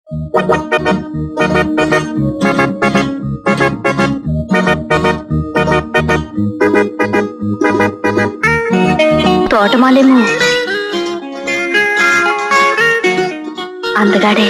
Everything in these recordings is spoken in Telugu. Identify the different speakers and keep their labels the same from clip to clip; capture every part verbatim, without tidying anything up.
Speaker 1: తోటమాలేమో అందగాడే.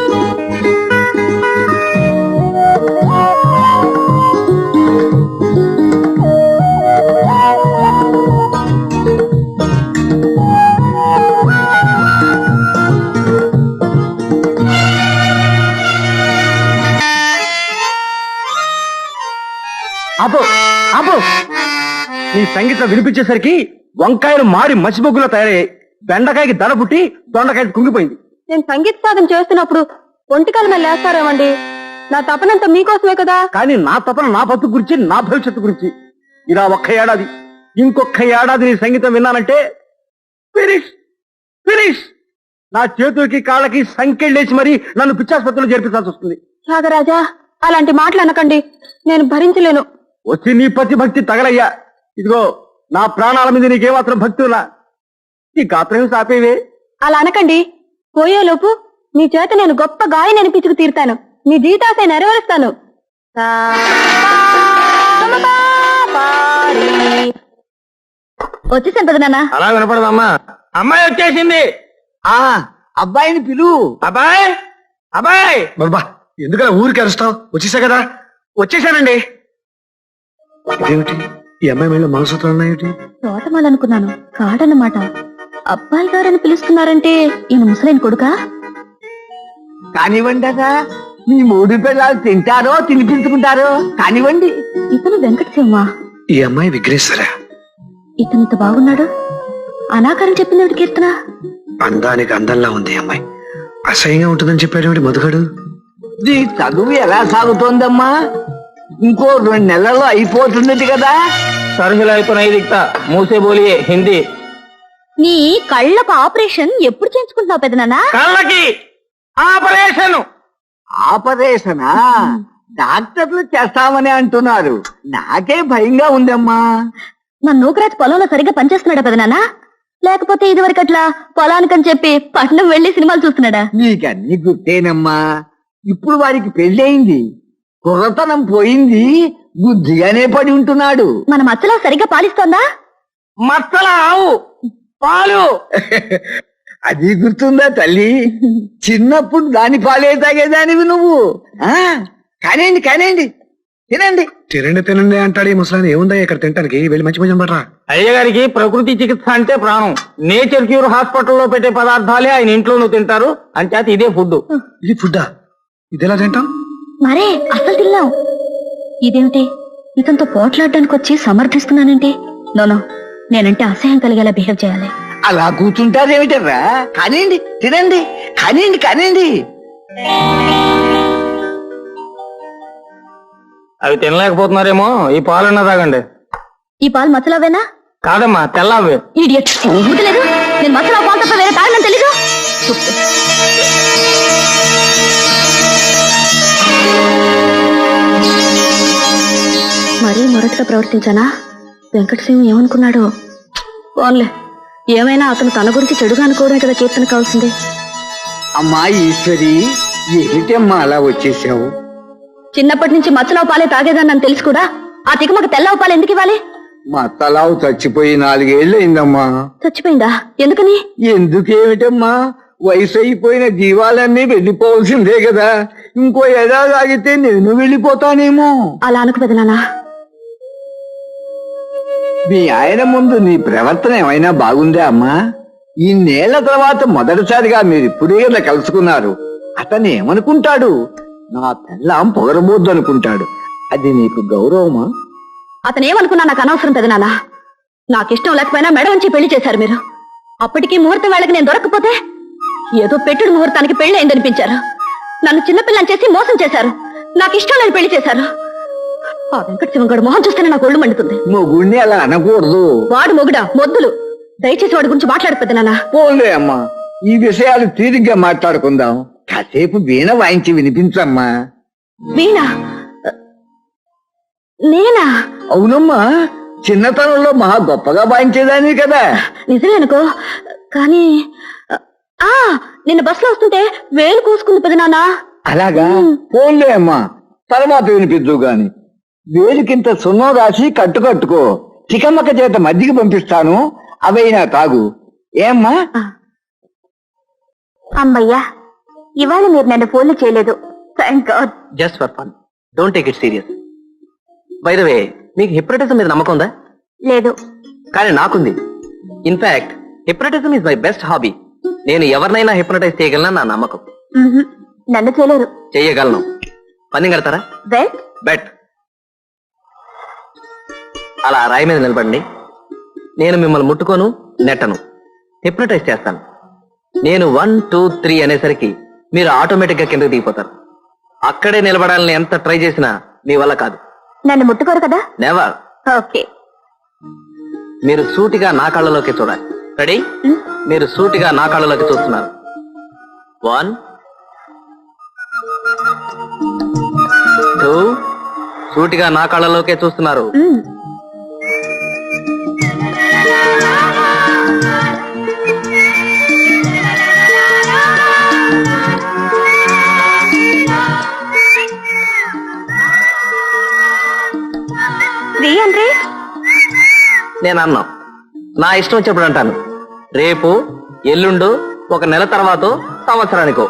Speaker 2: అబ్బో అబ్బో నీ సంగీతం వినిపించేసరికి వంకాయలు మారి మసిబొగ్గులో తయారయ్యాయి. బెండకాయకి దడ పుట్టి దొండకాయకి కుంగిపోయింది.
Speaker 1: నేను సంగీత సాధన చేస్తున్నప్పుడు ఒంటికాల మీద లేస్తారేమండి? నా తపనంతా మీకోసమే కదా.
Speaker 2: కానీ నా తపన నా బతుకు గురించి, నా భవిష్యత్తు గురించి. ఇలా ఒక్క ఏడాది ఇంకొక ఏడాది నీ సంగీతం విన్నానంటే ఫినిష్ ఫినిష్. నా చేతులకి కాళ్ళకి సంకెళ్ళేసి మరీ నన్ను పిచ్చాసుపత్రిలో చేర్పించాల్సి వస్తుంది.
Speaker 1: త్యాగరాజా, అలాంటి మాటలు అనకండి, నేను భరించలేను.
Speaker 2: వచ్చి నీ పతి భక్తి తగలయ్యా. ఇదిగో నా ప్రాణాల మీద నీకేమాత్రం భక్తి ఉన్నా ఈ గాత్రం సాపేవే.
Speaker 1: అలా అనకండి. పోయేలోపు నీ చేత నేను గొప్ప గాయని పిచ్చుకు తీరుతాను. నీ జీతాశయ నెరవేరుస్తాను. వచ్చేసాను పెద్ద నాన్న.
Speaker 2: అలా వినపడదమ్మా. అమ్మాయి వచ్చేసింది.
Speaker 3: ఆ అబ్బాయిని పిలు.
Speaker 2: అబ్బాయి అబ్బాయి.
Speaker 3: బాబా ఎందుకలా ఊరికి అరుస్తావు? వచ్చేసా కదా.
Speaker 2: వచ్చేసానండి.
Speaker 3: ఇదేమిటి ఈ అమ్మాయి మీద మనసూత్రాలు ఉన్నాయేమిటి?
Speaker 1: తోటమాలనుకున్నాను, కాడన్నమాట. అబ్బాయి గారని పిలుస్తున్నారంటే ఈయన ముసలైన కొడుకా?
Speaker 3: కానివ్వండి అదా, మీ మూడు పిల్లలు తింటారో తినిపించుకుంటారో కానివ్వండి.
Speaker 1: ఇతను వెంకటశివమా?
Speaker 3: ఈ అమ్మాయి విఘ్నేశ్వర.
Speaker 1: ఇతను ఇంత బాగున్నాడు. అనాకారం చెప్పింది కీర్తన.
Speaker 3: అందానికి అందంలా ఉంది అమ్మాయి. అసహ్యంగా ఉంటుందని చెప్పాడు మధుగడు. నీ చదువు ఎలా సాగుతోందమ్మా? ఇంకో రెండు నెలల్లో అయిపోతుంది కదా.
Speaker 2: సరుకులు అయిపోయినాయి. దిక్తా మూసే బోలియే హిందీ.
Speaker 1: నీ కళ్ళకు ఆపరేషన్ ఎప్పుడు చేయించుకుంటున్నావు పెద్దనాన్న?
Speaker 2: కళ్ళకి ఆపరేషన్.
Speaker 3: ఆపరేషనా? డాక్టర్లు చేస్తామని అంటున్నారు. నాకే భయంగా ఉందమ్మా.
Speaker 1: నా నూకరాజ్ పొలంలో సరిగ్గా పనిచేస్తున్నాడా పెద్దనాన్న? లేకపోతే ఇదివరకు అట్లా పొలానికని చెప్పి పట్నం వెళ్లి సినిమాలు చూస్తున్నాడా?
Speaker 3: నీకన్నీ గుర్తేనమ్మా. ఇప్పుడు వారికి పెళ్ళయింది, కుర్రతనం పోయింది, బుద్ధిగానే పడి ఉంటున్నాడు.
Speaker 1: మన మచ్చలో సరిగ్గా పాలిస్తోందా?
Speaker 2: మచ్చల ఆవు పాలు.
Speaker 3: అది గుర్తుందా తల్లి? చిన్నప్పుడు దాని పాలే తాగేదానివి నువ్వు. ఆ కానివ్వండి కానివ్వండి, తినండి. తినండి తినండి అంటాడు ఈ ముసలాన్ని. ఏముందా ఇక్కడ తింటానికి? వెళ్ళి మంచి భోజనం పడరా.
Speaker 2: అయ్యగారికి ప్రకృతి చికిత్స అంటే ప్రాణం. నేచర్ క్యూర్ హాస్పిటల్లో పెట్టే పదార్థాలే ఆయన ఇంట్లోనూ తింటారు. అంచేత ఇదే ఫుడ్.
Speaker 3: ఇది ఫుడ్డా? ఇది ఎలా తింటాం?
Speaker 1: మరే అసలు తిన్నాం. ఇదేమిటి ఇతనితో పోట్లాడడానికి వచ్చి సమర్థిస్తున్నానంటే? నోనో, నేనంటే అసహ్యం కలిగేలా బిహేవ్ చేయాలి.
Speaker 3: అలా కూర్చుంటారేమిటర్రా? కానివ్వండి తినండి, కానివ్వండి కానివ్వండి.
Speaker 2: అవి తినలేకపోతున్నారేమో. ఈ పాలన్నా తాగండి.
Speaker 1: ఈ పాలు మచ్చలావేనా?
Speaker 2: కాదమ్మా, తెల్లవే.
Speaker 1: ఇడియట్. లేదు, నేను మచ్చలా పాలు తప్ప వేరే తాగనని తెలీదు. మరీ మొరటుగా ప్రవర్తించానా? వెంకటసింహ ఏమనుకున్నాడు? పోన్లే, ఏమైనా అతను తన గురించి చెడుగా అనుకోవడమే కదా కీర్తన కావాల్సింది.
Speaker 3: అమ్మా ఈశ్వరి, ఏమిటమ్మా అలా వచ్చేసావు?
Speaker 1: చిన్నప్పటి నుంచి మచ్చలావు పాలే తాగేదాన్ని తెలిసి కూడా ఆ తికమక తెల్లవ పాలు ఎందుకు ఇవ్వాలి?
Speaker 3: మా తలావు చచ్చిపోయి నాలుగేళ్ళు అయిందమ్మా.
Speaker 1: చచ్చిపోయిందా? ఎందుకని?
Speaker 3: ఎందుకేమిటమ్మా, వయసు అయిపోయిన జీవాలన్నీ వెళ్ళిపోవాల్సిందే కదా. ఇంకో ఎడా తాగితే నేను వెళ్ళిపోతానేమో.
Speaker 1: అలా అనుకు పెదనానా.
Speaker 3: మీ ఆయన ముందు నీ ప్రవర్తన ఏమైనా బాగుందా అమ్మా? ఈ నేళ్ల తర్వాత మొదటిసారిగా మీరు ఇప్పుడే ఇలా కలుసుకున్నారు. అతను ఏమనుకుంటాడు? నా పెళ్ళాం పొగరబోద్దు అనుకుంటాడు. అది నీకు గౌరవమా?
Speaker 1: అతనేమనుకున్నా నాకు అనవసరం పెదనానా. నాకిష్టం లేకపోయినా మెడ ఉంచి పెళ్లి చేశారు మీరు. అప్పటికీ ముహూర్తం వేళకి నేను దొరకకపోతే ఏదో పెట్టుడు ముహూర్తానికి పెళ్లి అయిందనిపించారు. నన్ను చిన్నపిల్లని చేసి మోసం చేశారు. నాకు ఇష్టం లేని పెళ్లి చేశారు. ఆ వెంకటశివం గడు మొహం చూస్తేనే నాకు ఒళ్ళు మండుతుంది.
Speaker 3: మొగుడిని అలా అనకూడదు.
Speaker 1: వాడు మొగుడా? మొద్దులు. దయచేసి వాడి గురించి మాట్లాడకపోతే నాన్న.
Speaker 3: పోలే అమ్మా, ఈ విషయాలు తీరిగ్గా మాట్లాడుకుందాం. కాసేపు వీణ వాయించి వినిపించమ్మా.
Speaker 1: వీణ? నేనా?
Speaker 3: అవునమ్మా, చిన్నతనంలో మహా గొప్పగా వాయించేదాన్ని కదా.
Speaker 1: నిజమేనుకో, కానీ ఆ నిన్న బస్సులో వస్తుంటే వేలు కూసుకుంది పెదనాన్న.
Speaker 3: అలాగా ఫోన్లే అమ్మా, తర్వాత వినిపిద్దు గాని. వేలికింత సున్నం రాసి కట్టు కట్టుకో. చికమ్మక్క చేత మజ్జిగ పంపిస్తాను, అవైనా తాగు. ఏమ్మా?
Speaker 1: అమ్మయ్యా, ఇవాళ మీరు నన్ను ఫోన్లు చేయలేదు. Thank God.
Speaker 4: Just for fun, don't take it serious. By the way, మీకు హిప్నటిజం మీద నమ్మకం ఉందా?
Speaker 1: లేదు.
Speaker 4: కానీ నాకుంది. In fact hypnotism is my best hobby. నేను ఎవరినైనా హిప్నటైజ్ చేయగలనా నా నమ్మకం.
Speaker 1: మ్మ్హ్. నన్ను చేయలేరు.
Speaker 4: చేయగలను. పని కడతారా?
Speaker 1: బెట్.
Speaker 4: బెట్. అలా రాయి మీద నిలబడండి. నేను మిమ్మల్ని ముట్టుకోను, నెట్టను, హిప్నటైజ్ చేస్తాను. నేను వన్ టూ త్రీ అనేసరికి మీరు ఆటోమేటిక్ గా కిందకి దిగిపోతారు. అక్కడే నిలబడాలని ఎంత ట్రై చేసినా మీ వల్ల కాదు.
Speaker 1: నన్ను ముట్టుకోరు కదా?
Speaker 4: నెవర్.
Speaker 1: ఓకే.
Speaker 4: మీరు సూటిగా నా కళ్ళలోకి చూడాలి. రెడీ? మీరు సూటిగా నా కళ్ళలోకి చూస్తున్నారు. వన్ టూ, సూటిగా నా కళ్ళలోకే చూస్తున్నారు.
Speaker 1: మ్మ్. త్రీ అంటే
Speaker 4: నేను అన్నా, నా ఇష్టం వచ్చినప్పుడు అంటాను. రేపు, ఎల్లుండు, ఒక నెల తర్వాత, సంవత్సరానికో.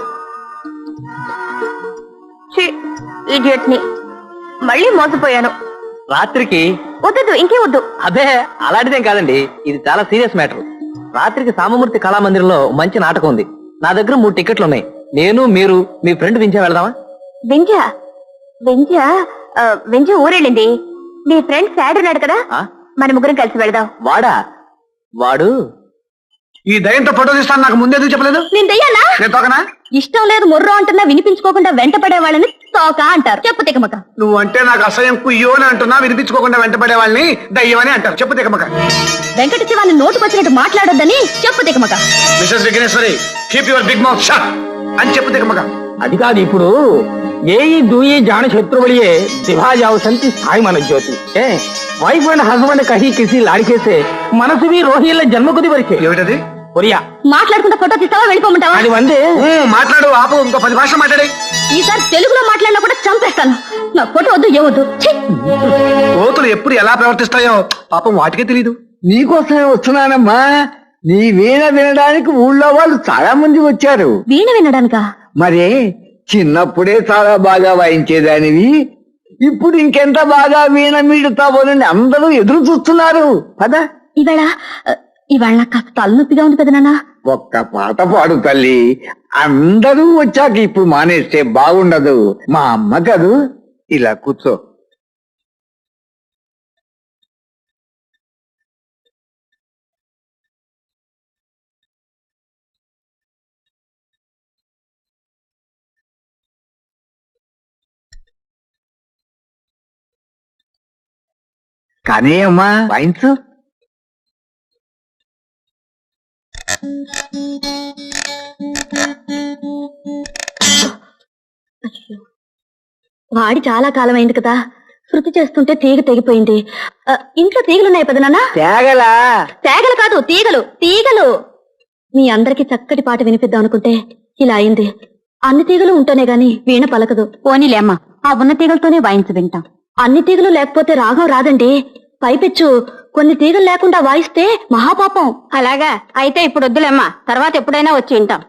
Speaker 1: ఇడియట్ ని మళ్ళీ మోసపోయాను.
Speaker 4: రాత్రికి
Speaker 1: వద్దు, ఇంకే వద్దు.
Speaker 4: అదే అలాంటిదేం కాదండి, ఇది చాలా సీరియస్ మ్యాటర్. రాత్రికి సామమూర్తి కళామందిరంలో మంచి నాటకం ఉంది. నా దగ్గర మూడు టికెట్లు ఉన్నాయి. నేను, మీరు, మీ ఫ్రెండ్ వింజా వెళ్దామా?
Speaker 1: వింజా? వింజా ఆ, వింజా ఊరెళ్ళింది. మీ ఫ్రెండ్ సాడ్ ఉన్నాడు కదా,
Speaker 4: ఆ?
Speaker 1: మన ముగ్గురం కలిసి వెళదాం.
Speaker 4: వాడా? వాడు
Speaker 2: ఈ దయంతో ఫోటో తీస్తాను, నాకు ముందే ఎందుకు చెప్పలేదు?
Speaker 1: నేను దెయ్యాలా?
Speaker 2: నేను తోకనా?
Speaker 1: ఇష్టం లేదు మొర్రో అంటున్నా వినిపించుకోకుండా వెంట పడే వాళ్ళని తోక అంటారు. చెప్పు తికమక.
Speaker 2: నువ్వు అంటే నాకు అసహ్యం, కుయ్యో అని అంటున్నా, వినిపించుకోకుండా వెంటపడే వాళ్ళని దయ్యం అని అంటారు. చెప్పు తికమక.
Speaker 1: వెంకట శివాన్ని నోటుకొచ్చినట్టు మాట్లాడొద్దని చెప్పు తికమక.
Speaker 2: Mrs Vighneshwari, keep your big mouth shut అని చెప్పు తికమక.
Speaker 5: అది కాదు, ఇప్పుడు ఏయి దూయి జాన శత్రువులియే दिभा जाओ संति साई मन Jyoti a wife and husband कहीं किसी लड़के से మనసు भी రోహిల్ల జన్మ కొద్ది వరకే
Speaker 2: ఏమిటది?
Speaker 5: ఒరియా
Speaker 1: మాట్లాడుకుంటా ఫోటో తీస్తావా, వెళ్ళిపోమంటావా?
Speaker 5: అది వందే
Speaker 2: ఊ, మాట్లాడు, ఆపు, ఇంకో పది భాషలు మాట్లాడే.
Speaker 1: ఈసారి తెలుగులో మాట్లాడినా కూడా చంపేస్తాను. నా ఫోటో వద్దు, ఏవద్దు. ఛీ!
Speaker 2: కోతులు ఎప్పుడు ఎలా ప్రవర్తిస్తాయో పాపం వాటికే తెలీదు.
Speaker 3: నీకోసమే వస్తున్నానమ్మా. నీ వీణ వినడానికి ఊళ్ళో వాళ్ళు చాలా మంది వచ్చారు.
Speaker 1: వీణ వినడానికా?
Speaker 3: మరే చిన్నప్పుడే చాలా బాగా వాయించేదానివి, ఇప్పుడు ఇంకెంత బాగా వీణ మీడుతావోనని అందరూ ఎదురు చూస్తున్నారు. పద.
Speaker 1: ఇవాళ ఇవాళ నాకు కాస్త తలనొప్పిగా ఉంది కదా నాన్న.
Speaker 3: ఒక్క పాట పాడు తల్లి. అందరూ వచ్చాక ఇప్పుడు మానేస్తే బాగుండదు. మా అమ్మ కదూ. ఇలా కూర్చో. కానీ అమ్మా వాయించు.
Speaker 1: వాడి చాలా కాలం అయింది కదా, శృతి చేస్తుంటే తీగ తెగిపోయింది. ఆ, ఇంట్లో తీగలున్నాయి పెదనాన్న?
Speaker 3: తేగలా?
Speaker 1: తేగలు కాదు, తీగలు తీగలు. మీ అందరికి చక్కటి పాట వినిపిద్దాం అనుకుంటే ఇలా అయింది. అన్ని తీగలు ఉంటేనే గాని వీణ పలకదు. పోనీలే అమ్మా, ఆ ఉన్న తీగలతోనే వాయించి వింటాం. అన్ని తీగలు లేకపోతే రాగం రాదండి. పైపెచ్చు కొన్ని తీగలు లేకుండా వాయిస్తే మహాపాపం. అలాగా అయితే ఇప్పుడు వద్దులేమ్మా, తర్వాత ఎప్పుడైనా వచ్చి వింటాం.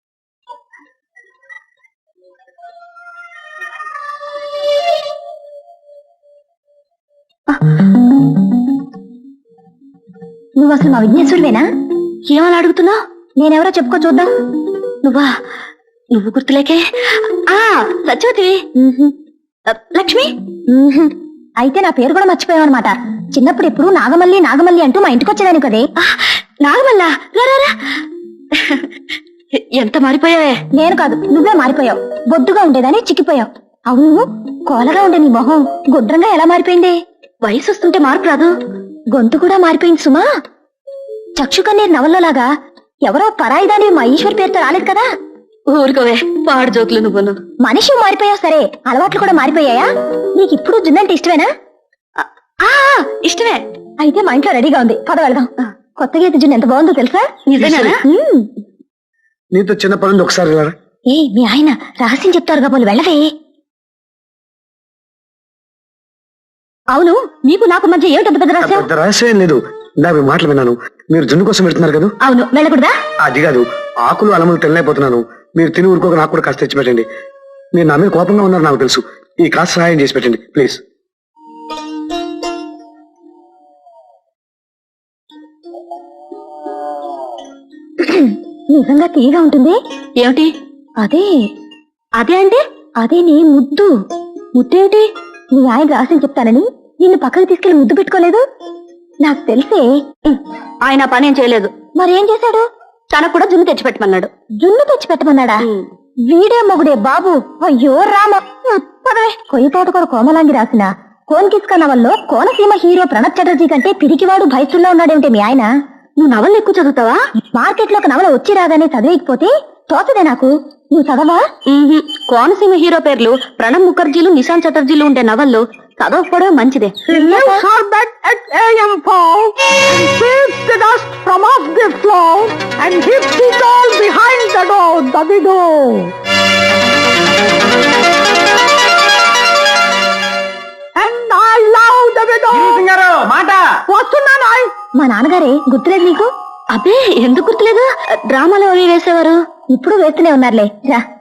Speaker 1: నువ్వు అసలు మా విఘ్నేశ్వరువేనా? ఏమని అడుగుతున్నావు? నేనెవరో చెప్పుకో చూద్దాం. నువ్వా? నువ్వు గుర్తులేకే. ఆ సత్యవతివి. లక్ష్మి. అయితే నా పేరు కూడా మర్చిపోయావు అనమాట. చిన్నప్పుడు ఎప్పుడు నాగమల్లి నాగమల్లి అంటూ మా ఇంటికి వచ్చేదాని కదే. నాగమల్ల రా. ఎంత మారిపోయావే. నేను కాదు, నువ్వే మారిపోయావు. బొద్దుగా ఉండేదాన్ని చిక్కిపోయావు. అవును, కోలగా ఉండే నీ మొహం గుండ్రంగా ఎలా మారిపోయింది? వయసు వస్తుంటే మార్పు రాదు. గొంతు కూడా మారిపోయింది సుమా. చక్షు కన్నీరు నవల్లోలాగా ఎవరో పరాయిదాని మా ఈశ్వర్ పేరుతో రాలేదు కదా. ఊరుకోవే, పాడు జోకులు నువ్వును. మనిషి మారిపోయావు సరే, అలవాట్లు కూడా మారిపోయాయా? నీకు ఇప్పుడు జున్నంటే ఇష్టమేనా? ఇష్టమే. అయితే మా ఇంట్లో రెడీగా ఉంది, పద వెళ్దాం. కొత్త గీత జున్ను ఎంత బాగుందో తెలుసా? నిజమేనా?
Speaker 2: నీతో చిన్న పనుంది, ఒకసారి వెళ్ళరా.
Speaker 1: ఏ మీ ఆయన రహస్యం చెప్తారు కాబోలు వెళ్ళవే. అవును, నీకు నాకు మధ్య ఏమిటంత పెద్ద రహస్యం?
Speaker 2: పెద్ద రహస్యం ఏం లేదు. ఇందాక మీ మాటలు విన్నాను. మీరు జున్ను కోసం వెళ్తున్నారు కదా?
Speaker 1: అవును, వెళ్ళకూడదా?
Speaker 2: అది కాదు, ఆకులు అలములు తినలేకపోతున్నాను. మీరు తిని ఊరుకోక నాకు కూడా కాస్త తెచ్చి పెట్టండి. మీరు నా మీద కోపంగా ఉన్నారు నాకు తెలుసు. ఈ కాస్త సహాయం చేసి పెట్టండి ప్లీజ్.
Speaker 1: నిజంగా తీగా ఉంటుంది. ఏమిటి అదే? అదే అంటే అదే నీ ముద్దు. ముద్దేమిటి? నీ ఆయన రహస్యం చెప్తానని నిన్ను పక్కకు తీసుకెళ్లి ముద్దు పెట్టుకోలేదు? నాకు తెలిసే ఆయన పనేం చేయలేదు. మరేం చేశాడు? తనకు కూడా జున్ను తెచ్చిపెట్టమన్నాడు. జున్ను తెచ్చిపెట్టమన్నాడా? వీడే మొగుడే బాబు. అయ్యో రామ. పదవే. కొయ్యి తోటకూర కోమలాంగి రాసిన కోన్ కిస్కా నవల్లో కోనసీమ హీరో ప్రణబ్ చటర్జీ కంటే పిరికివాడు భయస్తుల్లో ఉన్నాడేమిటి మీ ఆయన? నువ్వు నవలు ఎక్కువ చదువుతావా? మార్కెట్ లో ఒక నవల వచ్చి రాగానే చదివేకపోతే తోచదే నాకు. నువ్వు చదవా? కోనసీమ హీరో పేర్లు ప్రణబ్ ముఖర్జీలు, నిశాంత్ చటర్జీలు ఉండే నవల్లో చదవకపోవడం మంచిదే.
Speaker 5: మాట
Speaker 1: వస్తున్నాను. మా నాన్నగారే గుర్తులేదు నీకు? అబ్బే ఎందుకు గుర్తులేదు? డ్రామాలో అవి వేసేవారు. ఇప్పుడు వేస్తూనే ఉన్నారులే. రా.